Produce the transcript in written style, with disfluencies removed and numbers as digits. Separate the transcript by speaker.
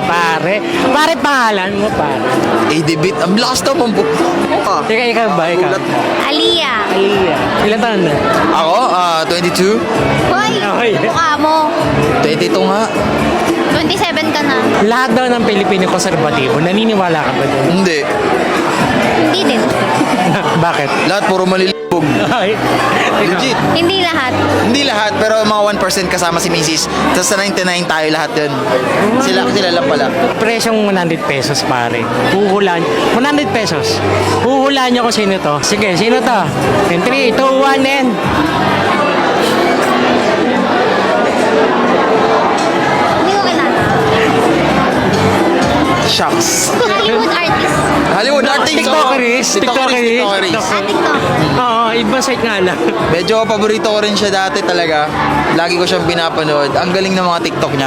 Speaker 1: Pare, pangalan mo, pare.
Speaker 2: ADBit. Ang lakas to, pampu.
Speaker 1: Teka, ikaw ba? Ikaw.
Speaker 3: Aliyah.
Speaker 1: Ilan taon na?
Speaker 2: Ako, 22.
Speaker 3: Hoy,
Speaker 1: Okay.
Speaker 3: mukha mo.
Speaker 2: 22 nga.
Speaker 3: 27 ka na.
Speaker 1: Lahat daw ng Pilipino konserbatibo. Naniniwala ka ba dun?
Speaker 2: Hindi.
Speaker 3: Hindi din.
Speaker 1: Bakit?
Speaker 2: Lahat puro malilibog.
Speaker 1: Ay,
Speaker 2: Legit.
Speaker 3: Hindi lahat.
Speaker 2: Hindi lahat, pero mga 1% kasama si Mrs. Tapos sa 99 tayo lahat yun. Sila lang pala.
Speaker 1: Presyong 100 pesos, pare. Huhulaan. 100 pesos. Huhulaan niyo kung sino to. Sige, sino to? In 3, 2, 1, and...
Speaker 3: Hindi ko kilala.
Speaker 2: Shucks.
Speaker 3: Hollywood artist.
Speaker 2: Hollywood artist.
Speaker 1: TikTokeris.
Speaker 2: TikTokeris.
Speaker 3: TikTok.
Speaker 1: Oo, ibang site nga lang.
Speaker 2: Medyo paborito ko rin siya dati talaga. Lagi ko siyang pinapanood. Ang galing ng mga TikTok niya.